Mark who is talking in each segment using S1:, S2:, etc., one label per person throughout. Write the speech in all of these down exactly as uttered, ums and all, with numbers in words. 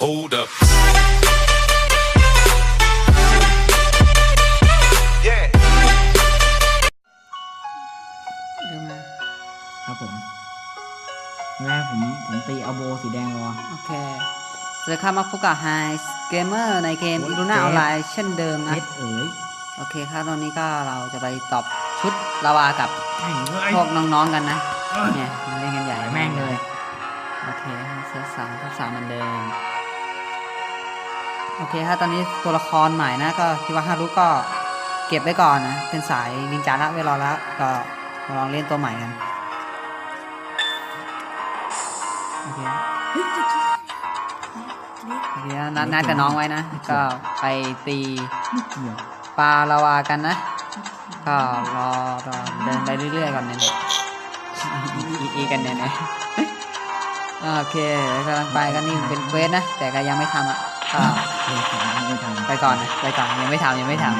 S1: Hold up. Yeah.
S2: ดูมา
S3: ครับผมแรกผมผมตีเอาโบสีแดงรอ
S2: โอเคสวัสดีครับมาพบกับไฮเกมเมอร์ในเกม
S3: โอ้ย
S2: อีลูน่า
S3: เกม
S2: ออนไลน์เช่นเดิมนะ
S3: เจ็ดเอ๋ย
S2: โอเคครับตอนนี้ก็เราจะไปตอบชุดลาวากับ
S3: แม่งเลย
S2: พวกน้องๆกันนะเนี่ยมันเล่นกันใหญ่
S3: แม่งเลย
S2: โอเคเซตสามเซตสามเหมือนเดิมโอเคครับตอนนี้ตัวละครใหม่นะก็คิดว่าฮารุก็เก็บไว้ก่อนนะเป็นสายนินจาละไว้รอแล้วก็มาลองเล่นตัวใหม่กันโอเคโอเคนัดนัดกับน้องไว้นะก็ไปตี
S3: ไม่เกี่ยว
S2: ปลาลาวากันนะก็รอรอเดินไปเรื่อยๆก่อนเนี่ยอีอีอีกันเนี่ยนะโอเคกำลังไปกันนี่เป็นเควสนะแต่ก็ยังไม่ทำอ่ะก็
S3: เฮ้ยผมไม่ทำ
S2: ไปก่อนนะไปก่อนยังไม่ทำยังไม่ทำ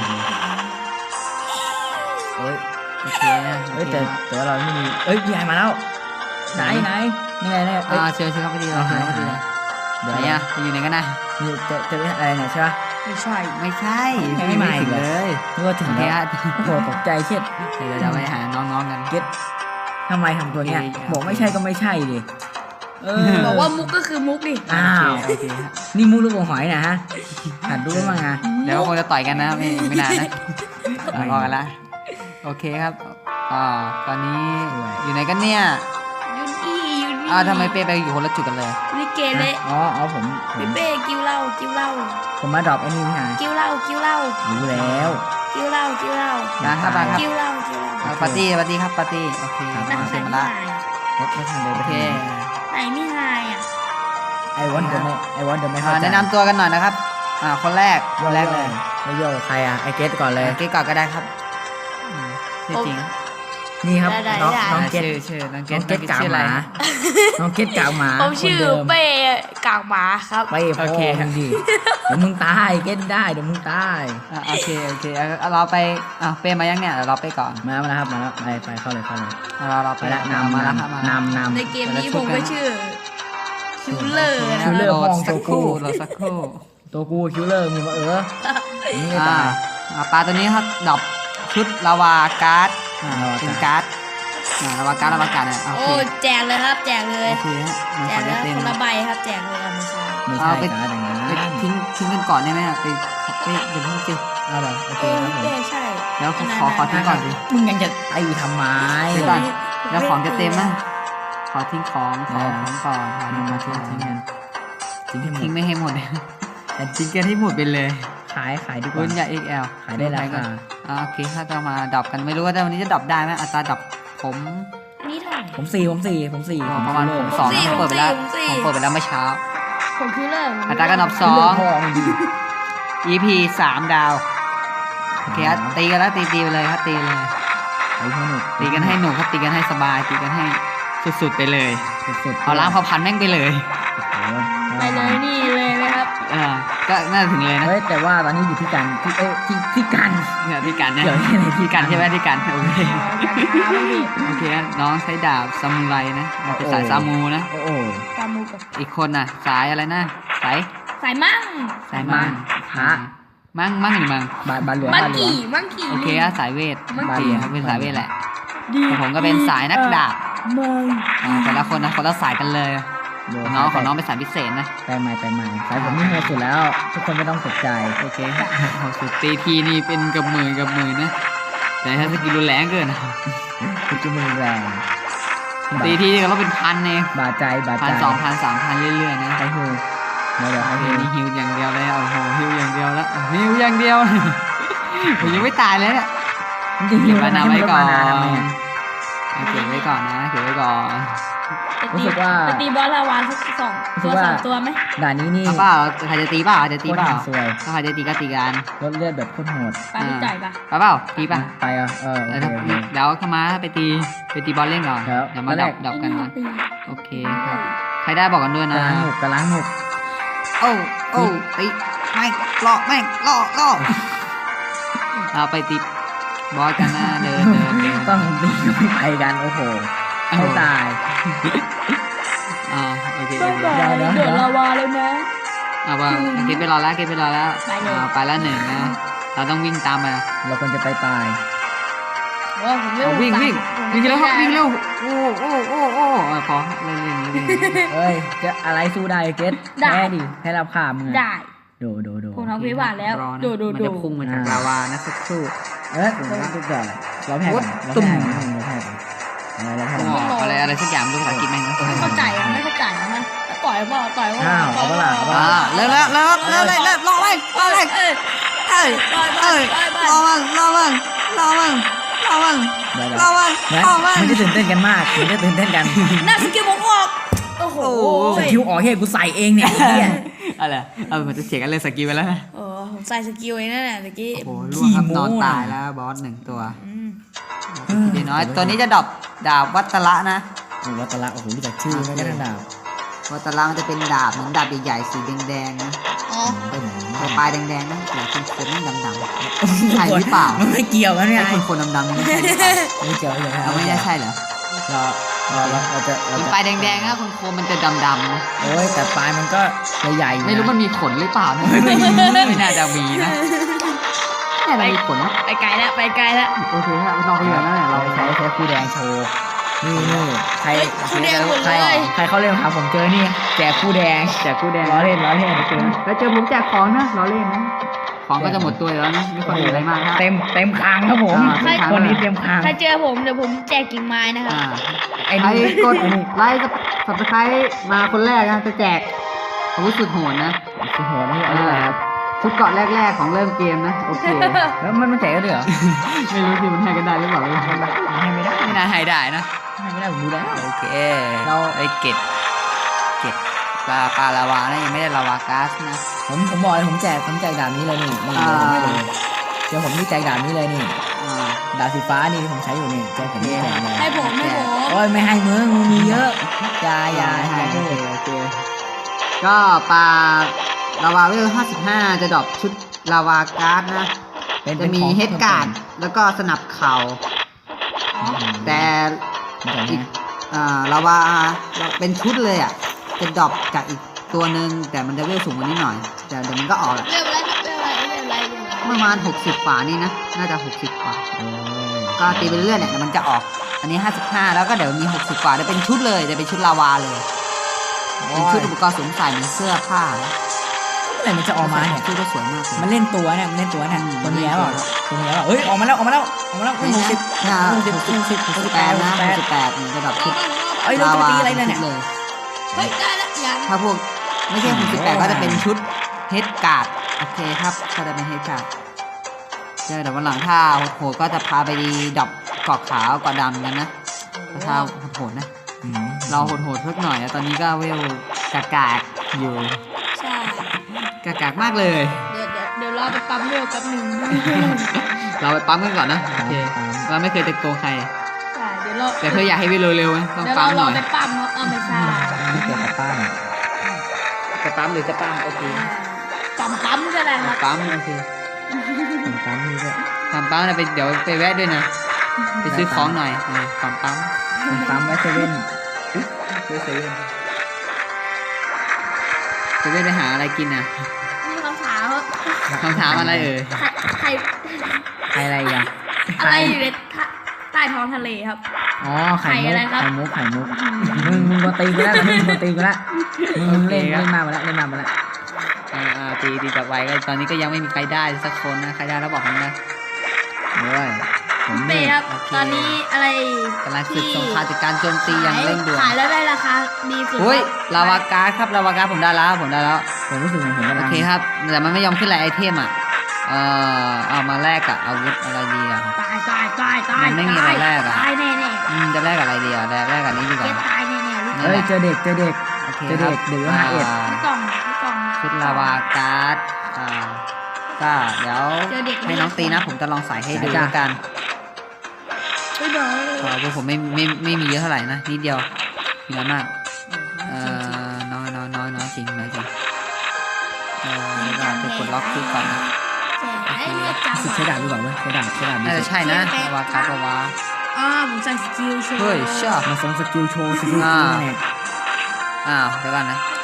S3: เฮ้ย
S2: โอเคนะ
S3: เฮ้ยแต่แต่ว่าเราไม่มีเอ้ยพี่ไอมาแล้วไหนไหนนี่ไงเนี่ยเอ้ย
S2: อ่าเชิญเชิญเข้าไปดีเราเชิญเข้าไปดีเลย
S3: เดี๋ยว
S2: ไหนอ่ะอยู่ไหนกันนะ
S3: นี่จะจะเป็นอะไรเนี่ยใช่ปะ
S2: ไม่ใช่ไม่ใช่
S3: ยังไม่มาอี
S2: ถึ
S3: ก
S2: ง
S3: เหรอ
S2: เลย
S3: นึกว่าถึง
S2: โอเค
S3: แล้ว
S2: ฮะ
S3: โอ้โหตกใจเช็ด
S2: เดี๋ยวเราไปหาน้องๆกัน
S3: เก็ตทำไมทำตัวเนี้ย
S2: โอเค
S3: บอกไม่ใช่ก็ไม่ใช่ดิเออ
S4: บอกว่ามุกก็คือมุกดิ
S3: อ้าว
S2: โอเคฮะ
S3: นี่มูลูกหัวหอยนะฮะหัดดูแล้วมั้งอ่ะ
S2: เดี๋ยวก็คงจะต่อยกันนะไม่ไม่นานนะรอกันละโอเคครับอ่าตอนนี้อยู่ไหนกันเนี่ย
S4: ยุนอี้ยุนอี้
S2: อ่าทำไมเป้ไปอยู่คนละจุดกันเลย
S4: ลิเกเละ
S3: อ๋ออ๋อผมผ
S4: เป
S3: ม
S4: เป้กิ้วเหล้ากิ้วเหล้า
S3: ผมมาดรอปไอ้นี่พี่หาย
S4: กิ้วเหล้ากิ้วเหล้า
S3: รู้แล้ว
S4: กิ้วเหล้ากิ้วเหล้า
S2: นะครับมาครับ
S4: กิ้วเหล้ากิ้วเหล้า
S2: อ่าปาร์ตี้ปาร์ตี้ครับปาร์ตี้โอเค
S3: ครับ
S4: นั่น
S2: มา
S4: ไหน
S2: เชิญมา
S4: ไม่
S2: ละ
S4: หาย
S3: รถไม่ทันเลย
S2: โอเค
S4: ไหนไม่หายอ่ะ
S3: ไอวอนเดอะไม่ไอวอนเดอะไม่
S2: อ่าแนะนำตัวกันหน่อยนะครับอ่าคนแรกคนแรกเลย
S3: ไอโยใครอ่ะไอเกตก่อนเลย
S2: เก๊ก่อนก็ได้ครับอืมชื่อจริง
S3: นี่ครับน้องน้อง
S2: อ่า
S3: เกต
S2: ชื่อชื่อน้องเก๊
S3: น้องเกตกาก
S2: ชื่อ
S3: ห
S2: อะไร
S3: มาน้องเกตกากหมา
S4: ผมชื่อ
S3: คนดิม
S4: เป้กากหมาครับ
S3: ไปพ่อมึงดิเดี๋ยวมึงตายเกตได้เดี๋ยวมึงตาย
S2: อ่าโอเคโอเคเอาเอาเราไปอ่าเป้มายังเนี่ยเดี๋ยวเราไปก่อน
S3: มาแล้วครับมาแล้วไปไปเข้าเลยเข้าเลย
S2: เอาเราเรา
S3: ไป
S2: ไป
S3: ละ
S2: นำ
S3: นำ
S2: มาแล้วครับมาน
S3: ำนำ
S4: ใน
S3: นำ
S4: เกมนี้ผมก็ชื่อคิวเลอร์
S3: คิ
S4: นะ
S3: วเลอร์
S2: โหลด
S3: ห้อง
S2: สักครู่
S3: ตัวกู
S2: โหลดสักครู่
S3: ตัวกูคิวเลอร์มีมาเออนี่ไม่
S2: อ่า
S3: ตาย
S2: อ่าปลาตัวนี้ครับดรอปชุดลาวาการ์ดอ่า
S3: ลาวาการ์ด
S2: เป็นการ์ดอ่าลาวาการ์ดลาวาการ์ดเนี่ยโอ
S4: โอ้
S2: เค
S4: แจกเลยครับแจกเลย
S2: โอเคฮะมัน
S4: แจ
S2: ขอก
S4: เล
S2: จะ
S4: ย
S2: เต็ม
S4: คนละใบครับแจกเลยอ่ะไม่ใช่
S3: ไม่ใช่
S2: เอาไป
S3: การ์ดอย่างนั้น
S2: ไปทิ้งทิ้งกันก่อนได้ไหมอะไปไปเดี๋ยวเพิ่งสิ
S3: เอาเหรอโอเค
S4: เออ
S3: ครับผม
S4: เป้ใช่
S2: เดี๋ยวขอขอขอทิ้งก่อนดิ
S3: มึงยังจะไอ้ทำไม
S2: เดี๋ยวก่อนแล้วของจะเต็มนะขอทิ้งของขอ
S3: เออ
S2: ของก่อนขอ
S3: มา
S2: ทิ้ง
S3: มา
S2: มา
S3: ทิ้
S2: ทิ้
S3: ง
S2: ง
S3: ทิ้
S2: ทิ้
S3: ง
S2: ง
S3: กันทิ้งให้หมด
S2: ทิ้งไม่ให้หมดเลยแต่ทิ้งกันให้หมดไปเลย
S3: ขายขายดีก
S2: รุ่
S3: ว่าน
S2: ใหญ่ เอ็ก แอล
S3: ขายได้ราคา
S2: อ่าโอเคถ้าจะมาดรอปกันไม่รู้ว่าวันนี้จะดรอปได้ไหมอัตราดรอปผม
S4: นี่เท่าไหร่
S3: ผมสี่ผมสี่ผมสี่
S2: ประมาณผมสอง
S4: ผมสี่
S2: นะเปิดไปแล้ว
S4: ผมสี่
S2: ผมเปิดไปแล้วเมื่อเช้า
S4: ผมคิวเลอร์
S2: อัตราการดรอปสอง
S3: พ่อมึงดี
S2: อี พี สามดาวโอเคครับตีกันแล้วตีตีไปเลยครับตีเลย
S3: ไอ้ให้หนุก
S2: ตีกันให้หนุกครับตีกันให้สบายตีกันให้สุดๆไปเลย
S3: สุดๆ
S2: เอาล้างเผาพันธุ์แม่งไปเลย
S3: โอ้โห
S4: ไปเลยนี่เลยนะครับ
S2: เออก็น่าจะถึงเลยนะ
S3: เฮ้ยแต่ว่าตอนนี้อยู่ที่กันที่เอ้ยที่ที่กัน
S2: เนี่ยที่กันเนี่ย
S3: เดี๋ยวที่ไหนที่
S2: ที่กันใช่ไหมที่กันโอเค
S4: การค้าบ้างดิ
S2: โอเคน้องใช้ดาบซามูไรนะเราเป็นสายซามูนะ
S3: โอ้โห
S4: ซามูกับ
S2: อีกคนน่ะ สายอะไรนะสาย
S4: สายมั่ง
S2: สายมั่ง
S3: พระ
S2: มั่งมั่งหรือมั่ง
S3: บาบาเหลือง
S4: มัง
S3: บาเหลือง
S4: กี่มังกี่
S2: โอเคอะสายเวท
S4: มัง
S2: โอเค
S4: กี้
S2: ครับเป็นสายเวทแหละ
S4: ดี
S2: แต่ผมก็เป็นสายนักดาบ
S4: มัง
S2: อ่าแต่ละคนนะคนละสายกันเลย
S3: เดี๋ยว
S2: น้องของน้องเป็นสายพิเศษนะ
S3: ไปใหม่ไปใหม่สายผมนี่โหดสุดแล้ว ทุกคนไม่ต้องตกใจ
S2: โอเคโหสุดตีทีนี่เป็นกับหมื่นกับหมื่นนะแต่ถ้าสกิลรุนแรงเกินนะ
S3: คือจะมือแรง
S2: ตีทีนี่ก็ต้องเป็นพันเอง
S3: บาดใจบาด
S2: พั
S3: ใจ
S2: นสองพันสามพันเรื่อยๆนะ
S3: ไอ้ฮูเดี๋ยวเดี๋ยว
S2: โอ
S3: ไอ้
S2: เค
S3: ฮู
S2: นี่ฮิวอย่างเดียวเลยโอ้โหฮิวอย่างเดียวแล้วฮิวอย่างเดียว ผมยังไม่ตายเลยเนี่ย
S3: มันจะ
S2: เก็
S3: หิ
S2: บ
S3: ว
S2: มานา
S3: ทำ
S2: ไว้ก่อน
S3: ทำไมอะ
S2: เอาเก็บไว้ก่อนนะเก็บไว้ก่อน
S3: รู้สึกว่า
S4: ไปตีบอลลาวาสักสอง
S3: รู้สึ
S4: ตัว
S3: กว่า
S4: สามตัวไหม
S3: ด่านนี้นี่
S2: เอาเปล่าใครจะตีเปล่าจะตีเปล่า
S3: โคตรสวย
S2: ถ้าใครจะตีก็ตีกัน
S3: ลดเลือดแบบโคตรโหด
S4: ปลาที่จ่ายปะ
S2: ไปเปล่าตีป่ะ
S3: ไปอ่ะเออโอ
S2: เดี๋ยว
S3: เค
S2: ถ้า
S3: โอเค
S2: เดี๋ยวเข้ามาไปตีไปตีบอลเล่นก่อน
S3: ครับ
S2: เดี๋ยวมา
S3: ตอนแร
S2: ดั
S3: ก
S2: บดับกันนะ
S4: ตี
S2: โอเคครับใครได้บอกกันด้วย
S3: ก
S2: นะ
S3: ระล้างหนุกกระล้างหนุก
S2: โอ้โอ้ตีไม่ล่อแม่งล่อล่อเอาไปตีบอสกันนะเดินเดินเดิน
S3: ต้องตีไม่ไปกันโอ้โหเขาตาย
S2: อ่าโอเค
S4: ต้
S2: โอ
S4: อง
S2: เค
S4: บอก
S3: เดี๋ยว
S4: โด
S3: เดี๋ยว
S4: ดลาวาเลยนะ
S2: เอาว่าเกตไปรอแล้วเกตไปรอแล้วเอาไปแล้วหนึ่งนะเราต้องวิ่งตามมา
S3: เราควรจะไปปลาย
S4: โอ้ผมเร็ว
S2: เอาวิ่งวิ่งวิ่งเร็วครับวิ่งเร็วโอ้โอ้โอ้โอ้เอาพอเล่นเล่นเล่น
S3: เอ้ยจะอะไรสู้ได้เกตแพ้ดิให้รับข่ามึง
S4: ได้
S3: โดโดโด
S4: ผมทำพิบัติแล้ว
S2: รอนะ
S4: ดูดู
S2: มัน
S4: ดู
S2: จะพุ่งมาจากลาวานะสักครู่
S3: เอ้ยผมต้องก่อนเราแพ้ก่อนเรา
S2: ตุ่ม
S3: แพ้ก่อนเราแพ้ก่อนเราแพ้ก่อน
S2: อะไรอะไรสักอย่างดูภาษาอังกฤษแม่งนะ
S4: ไม่เข้าใจอ่ะไม่เข้าใจนะต่อยบ่ต่อยบ่
S3: อ้าวเอาเปล่าเอาเปล่า
S2: อ่าเร็วแล้วเร็วเร็วเร็วเร็วรอเลยรอเลย
S4: เอ้ย
S2: เอ้ยเอ้ยรอมันรอมันรอมันรอมัน
S3: เดี๋ยว
S2: รอมัน
S3: เดี๋ยว
S2: รอมัน
S3: มันจะตื่นเต้นกันมากมันจะตื่นเต้นกัน
S4: หน้าสกิลผมออกโอ้โห
S3: สกิลออกเฮ้ยกูใส่เองเนี่ยไอ้เหี้ย
S2: อะไรเอามันจะเสียกันเลยสกิลไปแล้วนะ
S4: เออผมใส่สกิลเองนั่นแหละตะกี้
S2: โอ้โหล่วงครับนอนตายแล้วบอสหนึ่งตัว
S4: อืม
S2: ดีน้อยตัวนี้จะดรอปดาบวัตระนะ
S3: โอ้วัตละโอ้โหรู้จักชื่อไม่ได้ดาบ
S2: วัตระมันจะเป็นดาบเหมือนดาบใหญ่ๆสีแดงๆนะ
S4: อ๋อ
S2: แต่ปลายแดงๆนะหัวคนๆนี่ดำๆใช่หรือเปล่า
S3: มันไม่เกี่ยวกันเนี่ย
S2: ไอ้คนๆดำๆนี่ไม่ใช่หรือเปล่า
S3: ไม่เกี่ยวเลย
S2: เราไม่ได้ใช่เหรอ
S3: เราเราเราเราจะเรา
S2: มัน
S3: จะ
S2: ปลายแดงๆนะคนโคมมันจะดำๆนะ
S3: โอ้ยแต่ปลายมันก็ใหญ่ๆ
S2: ไม่รู้มันมีขนหรือเปล่านะไม่น่าจะมีนะน่าจะมีขนนะ
S4: ไปไกลแล้วไปไกลแล้ว
S2: โอเคฮะเราไปอย่างนั้นแหละ
S3: เรา
S2: เรา
S3: ใช้ใช้คู่แดงโชว์นี่นี่ใคร
S4: เฮ้ยคู่แดงหมด
S3: ใค
S4: เล
S3: ร
S4: ย
S3: ใครเขาเล่นครับผมเจอนี่แจกคู่แดง
S2: แจกคู่แดง
S3: ล้อเล่นล้อเล่นเจอ
S2: แล้วเจอผมแจกของนะเราเล่นนะของก็จะหมดตัวแล้วนะไม่ค่อยมีอะไรมากครับ
S3: เต็มเต็มคางครับผม
S2: อ่าเต็มคาง
S3: คนนี้เต็มคาง
S4: ใครเจอผมเดี๋ยวผมแจกกิ่งไม้นะครับ
S2: อ่า
S3: ไอ้
S2: ใคร
S3: นี่
S2: กดไลค์กับสับสไครต์มาคนแรกนะจะแจกอาวุธสุดโหดนะ
S3: โอ้โหนี่อะไรครับ
S2: ชุดเกาะแรกๆของเริ่มเกมนะโอเค
S3: แล้วมันมันแจกได้ด้วยเหรอ
S2: ไม่รู้สิมันให้กันได้หรือเปล่าไม่รู้
S3: มันให้ไม่ได้
S2: ไม่น่าให้ได้นะ
S3: ให้ไม่ได้ผมดูแล้ว
S2: โอเค
S3: เรา
S2: ไอ้เก็ดเก็ดปลาปลาลาวานะยังไม่ได้ลาวาก๊าซนะ
S3: ผมผมบอกเลยผมแจกผมแจกดาบนี้เลยนี่นี่
S2: อ่า
S3: ผมให้เลยเดี๋ยวผมนี่แจกดาบนี้เลยนี่
S2: อ่า
S3: ดาบสีฟ้านี่ที่ผมใช้อยู่นี่แจกผมนี่แจกเลย
S4: ให้ผมให้ผม
S3: โอ้ยไม่ให้มึงมึงมีเยอะอยาอยา
S2: ให้
S3: อย่า
S2: โอ
S3: พู
S2: เค
S3: ด
S2: โอเคก็ปลาลาวาเวลห้าสิบห้าจะดรอปชุดลาวาก๊าซนะ
S3: เป็น
S2: จะมี
S3: ป็นของ
S2: เฮดการ์ดแล้วก็สนับเข่า
S3: อืม
S2: แต่
S3: เป็นของ
S2: อีก
S3: นะ
S2: อ่าลาวาเป็นชุดเลยอ่ะจะดรอปจากอีกตัวหนึ่งแต่มันจะเวลสูงกว่านี้หน่อย แต่เดี๋ยวมันก็ออกแหละ
S4: เร็วไรเร็วไรเร็วไรเร็วไร
S2: ประมาณหกสิบกว่านี่นะน่าจะหกสิบกว่า
S3: โอ้ย
S2: ก็ตีไปเรื่อยๆเนี่ยเดี๋ยวมันจะออก อันนี้ห้าสิบห้าแล้วก็เดี๋ยวมีหกสิบกว่าจะเป็นชุดเลยจะเป็นชุดลาวาเลยเป็นชุดอุปกรณ์สวมใส่เหมือนเสื้อผ้า
S3: เมื่อไหร่มันจะออกมาเนี่ย
S2: ชุดก็สวยมากเลย
S3: มันเล่นตัวเนี่ยมันเล่นตัวเนี่ย
S2: อืม
S3: ตัวเนี้ยเปล่าตัวเนี้ยเปล่าเอ้ยออกมาแล้วออกมาแล้วออกมาแล้ว
S2: ไม่
S3: หก
S2: ใช่
S3: สิบ
S2: นะ
S3: หกสิบ
S2: ห
S3: ห
S2: ก
S3: ก
S2: สิ
S3: สิ
S2: บบ ห
S3: ห
S2: ก
S3: ก
S2: สิ
S3: สิ
S2: บบ แป
S3: แป
S2: ด
S3: ด
S2: นะ
S3: นะ
S2: หกสิบแปดนี่จะแบบชุด
S3: เอ้ยเราจะตีอะไรเนี่ย
S2: เลย
S4: เฮ้ยได้แล้วยัง
S2: ถ้าพวกไม่ใช่หกสิบแปดก็จะเป็นชุดเฮดการ์ดโอเคครับก็จะเป็นเฮดการ์ดเจอเดี๋ยววันหลังถ้าโหดๆก็จะพาไปดีดอกเกาะขาวเกาะดำกันนะถ้าโหดๆนะ
S3: อืม
S2: เราโหดๆเพิ่กหน่อยนะตอนนี้ก็เวลกากากๆอยู่
S4: ใช่
S2: กากากๆมากเลย
S4: เดี๋ยวเดี๋ยวเดี๋ยวเราไปปั๊มเร็วแป๊บหนึ่ง
S2: เราไปปั๊มกันก่อนนะโอเคเราไม่เคยจะโกงใคร
S4: ใช่เดี๋ยวเรา
S2: แต่เธออยากให้เวลเร็วๆนะต้อง
S4: เดี๋ยว
S2: ปั๊
S4: เรา
S2: มห
S4: เรา
S2: น่อย
S4: ไปปั๊มเนาะเออไม่ใช่
S3: ไม่เกี่ยวกับป้าเนี่ย
S2: จะปั๊มหรือจะปั๊มโอเค
S4: ปั๊มปั๊มใช่ไหมครับ
S2: ปั๊มโอเค
S3: ผมปั๊มนี่ด้วย
S2: ปั๊มปั๊มนะไปเดี๋ยวไปแวะด้วยนะไปซื้อของหน่อยเออปั๊มปั๊ม
S3: ผมปั๊มไว้เซเว่น
S2: ซื้อเซเว่นเซเว่นไปหาอะไรกินอ่ะ
S4: มีคำถามว่า
S2: คำถามอะไรเอ่ย
S4: ใครใคร
S3: ใครอะไรอ่ะ
S4: อะไรอยู่ในท่าใต้ท้องทะเลครับ
S3: อ๋อไข่
S4: ไข่
S3: มุ
S4: อะไร
S3: ก
S4: ครับ
S3: ไข่มุกไข่มุกมึงมึงมาตีกูแล้วมึงมาตีกูแล้วมึงเล่นเล่นมาหมดแล้วเล่นมาหมดแล้ว
S2: อ่าอ่าตีตีจับไว้ก็ตอนนี้ก็ยังไม่มีใครได้สักคนนะใครได้แล้วบอกผมนะ
S3: โอ้ยผม
S4: เป้
S3: นี่
S4: ครับ
S2: โอเค
S4: ตอนนี้อะไร
S2: กำลังศึกสงครามจากการโจมตีอย่างเร่งด่วน
S4: ขายแล้วได้ราคาดีสุด
S2: เฮ้ยลาวาการ์ดครับลาวาการ์ดผมได้แล้วผมได้แล้ว
S3: ผมรู้สึกเหมือนผมกำ
S2: โอ
S3: ลัง
S2: เคครับแต่มันไม่ยอมขึ้นรายไอเทมอ่ะเอ่อเอามาแลกกับอาวุธอะไรดีอ่ะ
S4: ตายตายตายตาย
S2: มันไม่มีอะไรแลกอะ
S4: ตายแน่แน่
S2: อืมจะแลกกับอะไรดีอ่ะแลกแลกกับนี้ดีก
S4: เก็
S2: ว่า
S4: ตตายแน่แน่ลูก
S3: เฮ้ยเจอเด็กเจอเด็ก
S2: โอเค
S3: เจอ
S2: ค
S3: เด็
S2: รับ
S3: กเด็กห้าเอ็ด
S2: อ่า
S4: พี่กล่องพี่กล่อง
S2: ชุดลาวาการ์ดอ่าก็เดี๋ยว
S4: เจอเด็ก
S2: ให้น้องตีนะผมจะลองใส่ให้ดูแล้วกัน
S4: เฮ้ยเดี๋ยว
S2: เพราะว่าผมไม่ไม่ไม่มีเยอะเท่าไหร่นะนิดเดียวมีน้อยมากเอ่อน้อยน้อยน้อยน้อยจริงน้อยจริงเออเราจะกดล็อกชุดก่อนนะ
S4: แจ๋เลือดจัง
S3: รู้สึกใช้ดาบดีกว่าเว้ยใช้ดาบใช้ดาบดี
S2: น่าจะใช่นะลาวาการ์ดลาวา
S4: อ่าผมใส่สกิลโชว์
S2: เฮ้ยเชื่อ
S3: มาส่งสกิลโชว์สกิล
S2: อ่า
S3: เนี่ย
S2: อ้าวเดี๋ยวก่อนนะ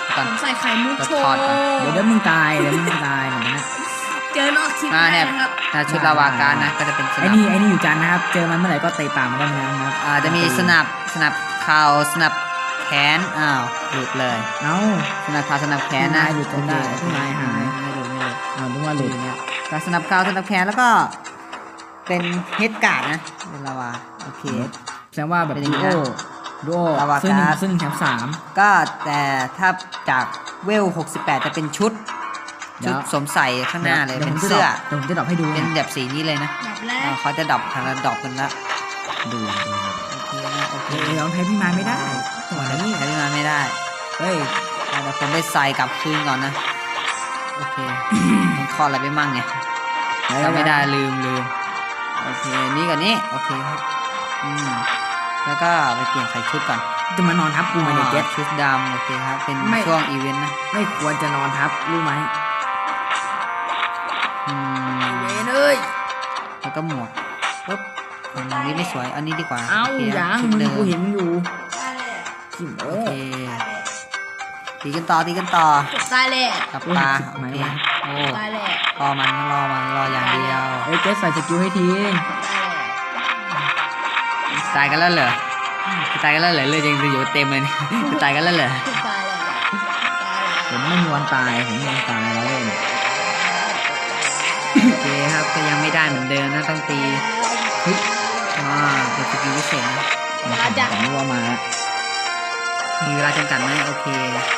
S2: ก่อน
S4: ผมใส่ไข่มุกโช
S2: ทอ
S4: ว์
S2: ดก่อน
S3: เดี๋ยวเดี๋ยวมึงตายเดี๋ยวมึงตายเหมือนกันนะ
S4: เจอนอกคลิป
S2: อ่า
S4: ได้
S2: เนี่ย
S4: นะครับ
S2: ถ้าชุดลาวาการนะก็จะเป็นส
S3: ไอ้
S2: นับ
S3: นี่ไอ้นี่อยู่จันทร์นะครับ เจอมันเมื่อไหร่ก็เตะปากมันได้นะครับ
S2: อ่าจะมีสนับสนับเข่าสนับแขนอ้าวหลุดเลย
S3: เอ้า
S2: สนับเข่าสนับแขนนะ
S3: หลุดจนได้
S2: โอเค
S3: หายหาย
S2: ไม่หลุดไม่หลุด
S3: เอาดูว่าหลุด
S2: เนี่ยก็สนับเข่าสนับแขนแล้วก็เป็นเฮดการ์ดนะเป็นลาวาโอเค
S3: แสดงว่าแบบ
S2: เป็นอย่าง
S3: ดู
S2: นี้
S3: โอ
S2: นะ
S3: ดูโอ
S2: ลาวา
S3: ซึ่ง
S2: การ์ด
S3: ซึ่งแถมสาม
S2: ก็แต่ถ้าจากเวลหกสิบแปดจะเป็นชุด
S3: เดี๋
S2: ชุ
S3: ยว
S2: ดสวมใส่ข้างหน้าเลย
S3: ดี๋ว
S2: เป็น
S3: ผมจะ
S2: เสื้อ
S3: ดรปเดี๋ยวผมจะดรอปให้ดู
S2: เป็น
S3: นะ
S2: แบบสีนี้เลยนะ
S4: แบบแร
S2: อ่าก เขาจะดรอปทางละดรอปกันละ
S3: ดูดู
S2: โอเคนะโอเค
S3: เดี๋ยวแพ้พี่มาไม่ได้จังหวะนี้
S2: ใช้ที่มาไม่ได้
S3: เฮ้ย
S2: อ่ะเดี๋ยวผมไปใส่กลับคืนก่อนนะโอเค ผมทอดอะไรไปมั่งเนี่ยจำไม่ได้ลืมลืมโอเคนี่กับนี้โอเคครับอืมแล้วก็ไปเปลี่ยนใส่ชุดก่อน
S3: จะมานอนทับกูไหมเนี่ยเจ็ด
S2: ชุดดำโอเคครับเป็น
S3: ไม่
S2: ช่วงอีเวนต์นะ
S3: ไม่ควรจะนอนทับรู้ไหม
S2: อืม
S3: เวนเอ้ย
S2: แล้วก็หมวกปุ๊บอันนี้ไม่สวย อันนี้ดีกว่า
S3: เอ้า
S2: โค
S3: ยัง
S2: ชุด
S3: มึง
S2: เดิม
S3: กูเห็นมึงอยู่ขิม
S2: โอ
S3: โอ้
S2: เคตีกันต่อตีกันต่อ
S4: ตายแหละ
S2: กับปลา
S3: จุด
S2: โอ
S3: ไหม
S2: เคว
S3: ะ
S2: โอ้
S4: ตายแหละ
S2: รอมันรอมันรออย่างเดียว
S3: เอ้ยเจ๊ใส่สกิลให้ที
S2: ตายกันแล้วเหรอตายกันแล้วเหรอเลือดยังอยู่เต็มเลยเนี่ยตายกันแล้วเหรอ
S4: ตายแหละตายแหละ
S3: ผมไม่มีวันตายผมไม่มีวันตายแล้วเล่น
S2: โอเคครับก็ยังไม่ได้เหมือนเดิมนะต้องตีเฮ้ยอ่าเป็นสกิลพิเศษนะ
S4: มาจาก
S3: ผมรู้ว่ามาแล้ว
S2: มีเวลาจำกัดไหมโอเค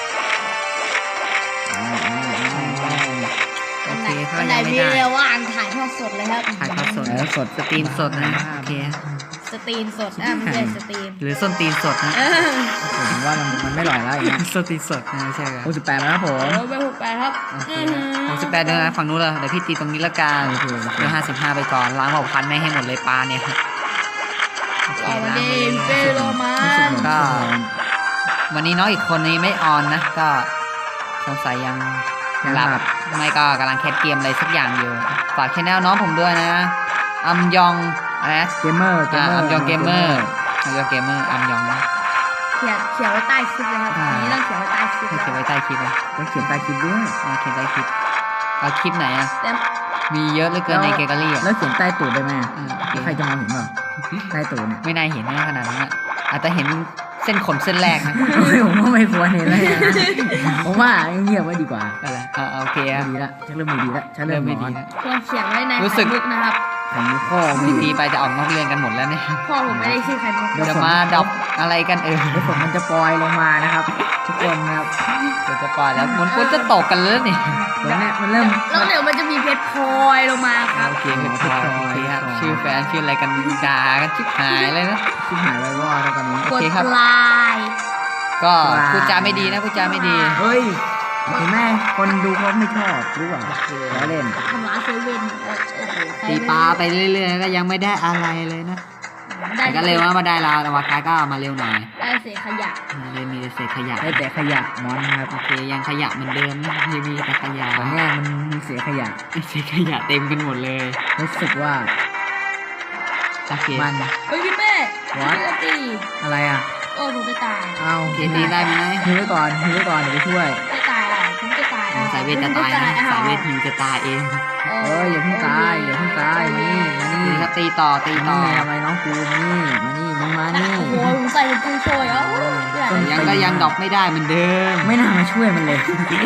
S3: อ้าวอ้าวอ้าวอ้าว
S2: โอ
S4: อันไห
S2: เคน ก็
S4: อันไหน
S2: ยังไม่
S4: มี
S2: ได้
S4: เรียกว่าอ่านถ่ายทอดสดเลยครับ
S2: ถ่ายทอดสด
S3: แล้วสด
S2: สตรีมสดนะโอเค
S4: สตรีมสดอ่ะไม่ใช่สตรีม
S2: หรือส้นตีนสดนะ
S4: เออ
S3: ผมว่ามันมันไม่หล่อยแล้วอย่างเงี้ย
S2: ส้นตีนสดนะไม่ใช่เหรอ
S3: หกสิบแปดแล้วครับผม
S4: โอ้ไปหกแปดครับ
S2: โอเค
S4: อื้อหือ
S2: หกสิบแปดเดือนนะฝั่งนู้นเลยเดี๋ยวพี่ตีตรงนี้ละกัน
S3: โอเคโอเค
S2: เดือนห้าสิบห้าไปก่อนล้างหกพันไม่ให้หมดเลยปลาเนี่ยโอเค
S4: เอาวัน
S2: ล้าง
S4: นี้
S2: หมด
S4: เป
S2: เลย
S4: โลมา
S3: รู้สึกเหมือน
S2: ก็
S3: ชั่วโมง
S2: วันนี้น้องอีกคนนี้ไม่ออนนะ ก็สงสัยยัง
S3: ยังหลับ
S2: ไม่ก็กำลังแคสเกมอะไรสักอย่างอยู่ฝากชแนลน้องผมด้วยนะอัมยองอะไรนะ
S3: เกมเมอร์เก
S2: อ่าม
S3: เมอร์
S2: อัมยองเกมเมอร์อัมยองเกมเมอร์อัมยองนะ
S4: เขียนเขียนไว้ใต้คลิปเลยครับ
S2: อ่า
S4: อันนี้ต้องเขียนไว้ใต้คลิป
S2: ให้
S4: นะ
S2: เขียนไว้ใต้คลิปเลย
S3: ต้องเขียนใต้คลิปด้วย
S2: อ่าเขียนใต้คลิปเอาคลิปไหนอ่ะ
S4: แต่
S2: มีเยอะเหลือเกินในเกมกาลี่อ่ะ
S3: แล้วเขียนใต้ตูดได้ไหม
S2: อ่าโอเค
S3: แล้วใครจะมองเห็นเปล่าใต้ตูดเนี่ย
S2: ไม่น่าเห็นนะขนาดนั้นอะอาจจะเห็นเส้นขนเส้นแรกนะ
S3: เฮ้ยผมว่าไม่ควรเห็นเลยนะผมว่าเงียบไว้ดีกว่า
S2: อะไรอ่าโอเคครับ
S3: ดีละฉันเริ่มไม่ดีละฉัน
S2: เริ่
S3: เริ่
S2: ม
S3: ม
S2: ไม่
S3: ไม่
S2: ดี
S3: ดี
S2: นะ
S4: ควรเขียนไว้ใน
S2: รู้สึก
S4: ไข่มุกนะครับ
S3: ผมมีข้อไม่
S2: ตี
S3: ดี
S2: ไปจะออกนอกเรื่องกันหมดแล้วเนี่ย
S4: พ่อผมไม่ได้ชื่อไข่มุก
S3: เดี๋ยว
S2: จะมาดรอปอะไรกันเออ
S3: เดี๋ยวฝนมันจะปล่อยลงมานะครับ ทุกคนนะครับ
S2: เดี๋ยวจะปล่อยแล้วมันก็จะตกกันแล้วนี่
S3: ฝนเนี่ยมันเริ่ม
S4: แล้วเดี๋ยวมันจะมีเพชรพลอยลงมาครับ
S2: โอเคเพชรพลอยโอเคครับชื่อแฟนชื่ออะไรกันด่ากันชิบหายเลยนะ
S3: ชิบหายไว้วอดแล้วตอนนี้
S2: โอก
S4: ด
S2: เคครับ
S4: ลาย
S2: ก็พูดจาไม่ดีนะพูดจาไม่ดี
S3: เฮ้ยเห็นไหมคนดูเขาไม่ชอบรู้ป่ะแล้วเล่น
S4: ทำร้ายเซเว่นโอ้โหใคร
S2: ตีปลาไปเรื่อยๆก็ยังไม่ได้อะไรเลยนะ
S4: ได้
S2: แต่ก็เร็วนะมาได้แล้วแต่ว่ากายก็มาเร็วหน่อย
S4: ได้เศษขยะ
S2: เลยมีแต่เศษขยะ
S3: ได้แต่ขยะมอนนะครับ
S2: โอเคยังขยะเหมือนเดิมนะยังมีแต่ขยะ
S3: ตอนเนี้ยมันมีเสียขยะ
S2: เศษขยะเต็มกันหมดเลย
S3: รู้สึกว่า
S2: โอเค
S3: มัน
S4: เฮ้ยพี่เป้
S3: What?
S4: พี่จะตี
S3: อะไรอ่ะ
S4: โอ้ผมจะตาย
S3: เอา
S2: โอเคตีได้ไหม
S3: ฮิวไว้ก่อนฮิวไว้ก่อนเดี๋ยวไปช่วย
S4: จะตายอ่ะผมจะตายอ่ะ
S2: สายเวทจะตายนะสายเวทฮิวจะตายเอง
S3: เอ้ยอย่าเพิ่งตายอย่าเพิ่งตายมานี่มานี่
S2: นี่ครับตีต่อตี
S3: มา
S2: ต่อ
S3: นี่ทำไมน้องกูมานี่มานี่มึงมานี่
S4: โอ้โหผมใส่กูโชยเอ้า
S3: ต้น
S2: ยังก็ยังดรอกไม่ได้เหมือนเดิม
S3: ไม่น่ามาช่วยมันเลย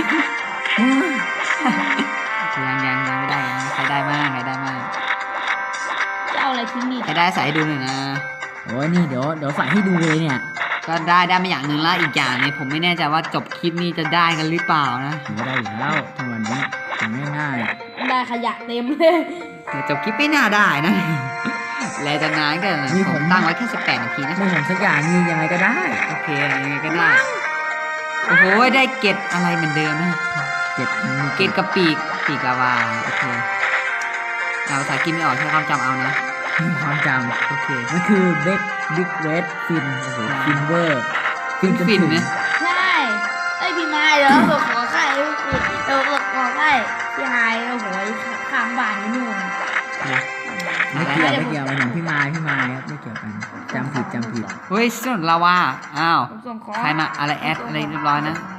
S2: ยังยังยังไม่ได้ยังใครได้มากใครได้มาก
S4: จะเอาอะไรทิ้งนี่
S2: ใครได้ใส่ให้ดูหน่อยนะ
S3: โอ้ยนี่เดี๋ยวเดี๋ยวใส่ให้ดูเลยเนี่ย
S2: ก็ได้ได้มาอย่างหนึ่งแล้วอีกอย่างเนี่ยผมไม่แน่ใจว่าจบคลิปนี้จะได้กันหรือเปล่านะ
S3: ถือว่าได้อยู่แล้วทั้งวันนี้ทำง่าย
S4: ได้ขยะเต็มเลย
S2: แต่จบคลิปไม่น่าได้นะ แล้วจะนานกันนะผมตั้งไว้แค่สิบแปดนาทีนะ
S3: ๆไม่ผมสักอย่างนี่ยังไงก็ได้
S2: โอเคยังไงก็ได้โอ้โหได้เกตอะไรเหมือนเดิมนะ
S3: เจ็บมันมี
S2: เกตกับปีกปีกลาวาโอเคเอาภาษากินไม่ออกใช้ความจำเอานะ
S3: ความจ
S2: โอเค
S3: ำมันคือเบคบิ๊กเรดฟินโอ้โหฟินเวอร์ฟินจน
S2: ฟิน
S3: ถึง
S2: นะ
S4: ใช่ไอยพี่ไม้เดี๋ยวเราขอไข่เดี๋ยวเราขอไข่พี่ไฮโอ้โหข้างบ้านนี่นู่น
S3: ไม่เกี่ยวไม่เกี่ยวหมายถึงพี่มายพี่มายครับไม่เกี่ยวกันจำผิดจำผิด
S2: เฮ้ยส่วนลาวาอ้าว
S4: ผมส่งขอ
S2: ใครมาอะไรแอดอะไรเรียบร้อยนะ
S3: ม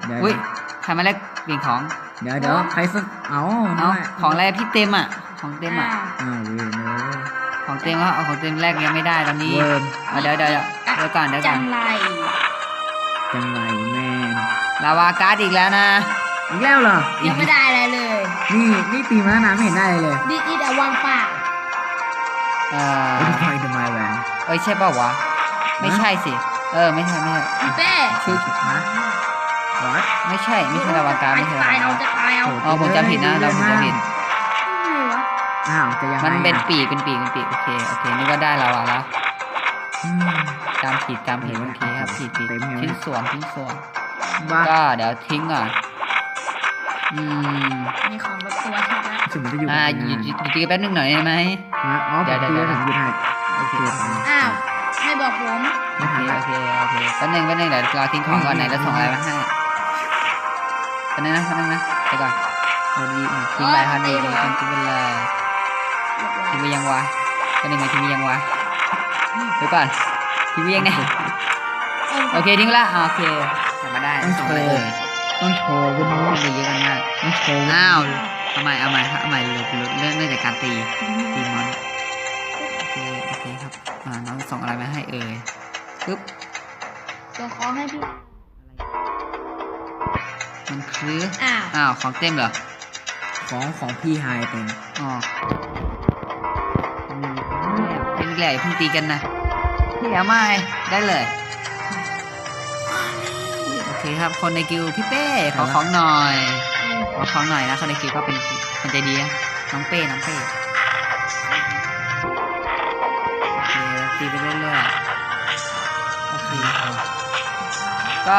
S3: เดี๋ยว
S2: อุ้ยใครมาแลกเปลี่ยนของ
S3: เดี๋ยวเดี๋ยวใครสักเอา
S2: เอา
S3: น้ย
S2: ของอะไรพี่เต็มอ่ะของเต็มอ่ะ
S3: อ้าวเว้ยเนอะ
S2: ของเต็มก็เอาของเต็มแรกยังไม่ได้ตอนนี้
S3: เวิร์ม
S2: เอาเดี๋ยวเดี๋ยวเดี๋ยวเดี๋ยวก่อนเดี๋ยวก่
S4: จั
S2: อน
S4: งไร
S3: จังไรแมน
S2: ลาวาการ์ดอีกแล้วนะ
S3: อีกแล้วเหรอ
S4: ยังไม่ได้อะไรเลย
S3: นี่นี่ตีมาแล้วนะไม่เห็นได้เลยเลย
S4: ดิอีแต่วางปาก
S2: เออ
S3: โอ้ยทำไมทำไมแหวน
S2: เอ้ยใช่เปล่าวะไม่ใช่สิเออไม่ใช่ไม่ใช่
S4: พี่เป้
S3: ชื่อนะวอต
S2: ไม่ใช่ไม่ใช่ลาวาการ์ดไม่ใช่ลา
S4: ตายว
S2: า
S4: เอา
S2: การ์ด
S4: จะตายเอา
S3: โอ้
S2: อ๋อผมจำผิดนะเราผมจำผิด
S4: ไม่วะ
S3: อ้าวจะยังไง
S2: มันเป็น
S3: อ่ะ
S2: ปีกเป็นปีกเป็นปีกโอเคโอเคนึกว่าได้ลาวาแล้ว
S3: อืม
S2: จำผิดจำผิดโอเคครับผิดผิด
S3: เต็มยังไง
S2: ชิ้นส่วนชิ้นส่วน
S3: บ้า
S2: ก็เดี๋ยวทิ้งก่อนอืม
S4: มีของแบบตัวชัดแล้ว
S3: สมมติจะอยู่
S2: อ่า
S3: กับ
S2: หยุ
S3: งา
S2: ด
S3: น
S2: หยุดหยุดตีกันแป๊บนึงหน่อยได้ไหม
S3: ฮะอ๋อ
S2: เดี๋
S3: เดี๋
S2: ย
S3: ยว ว
S2: เดี๋
S3: เดี๋
S2: ย
S3: ยว วผมหยุดให้
S2: โอเค
S4: อ้าวไม่บอกผม
S3: ไม่
S2: โอ
S3: ทัน
S2: เค
S3: ละ
S2: โอเคโอเคแป๊บนึงแป๊บนึงเดี๋ยวเราทิ้งของก่อนไหนแล้วส่งอะไรมาให้แป๊บนึงนะแป๊บนึงนะเดี๋ยวก่อนเอาดีทิ้งไปครับดีดีทิ้งทิ้งไปเลยทิ้งไปยังวะแป๊บนึงนะทิ้งไปยังวะเดี๋ยวก่อนทิ้งไปยังไงโอเคทิ้งไปละอ่าโอเคทำมาได้ส่งอะไรเอ่ย
S3: ต้องโชว์บนนู้น
S2: ต้องตีเยอะกันมาก
S3: ต้องโชว์
S2: อ้าวทำไมเอาใหม่ครับเอาใหม่เริ่มเริ่มเริ่มจากการตีตีมอนโอเคโอเคครับอ่าน้องส่งอะไรมาให้เอ่ยปึ๊บ
S4: ส่งของให้พี่
S2: มันคือ
S4: อ้าว
S2: อ้าวของเต็มเหรอ
S3: ของของพี่ไฮเต็ม
S2: อ๋ออืมเป็นแหล่เพิ่งตีกันนะพี่เอาไม่ได้เลยโอเคครับคนในกิลด์พี่เป้ขอของหน่อยขอของหน่อยนะคนในกิลด์ก็เป็นคนใจดีนะน้องเป้น้องเป้โอเคตีไปเรื่อยๆโอเคก็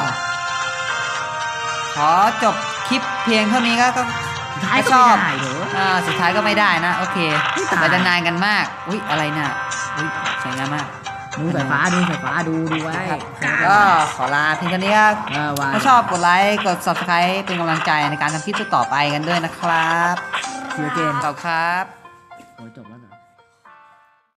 S2: ขอจบคลิปเพียงเท่านี้ก็ก็
S3: สุดท้ายก็
S2: ชอบ
S3: ไม่ได้เด้อ
S2: อ่าสุดท้ายก็ไม่ได้นะ โอเค
S3: ไม่ตาย
S2: เราจะนานกันมาก อุ้ยอะไรน่ะอุ้ยสวยงามมาก
S3: ดูสายฟ้าดูสายฟ้าดูดูไว้
S2: ก็ขอลาเพียงเท่านี้ครับ
S3: เออว่า
S2: ถ้าชอบกดไลค์กด ซับสไครบ์ เป็นกำลังใจในการทำคลิปต่อๆไปกันด้วยนะครับ
S3: เสียเกม
S2: ขอบคุณครับ
S3: โอ้ยจบแล้วเหรอ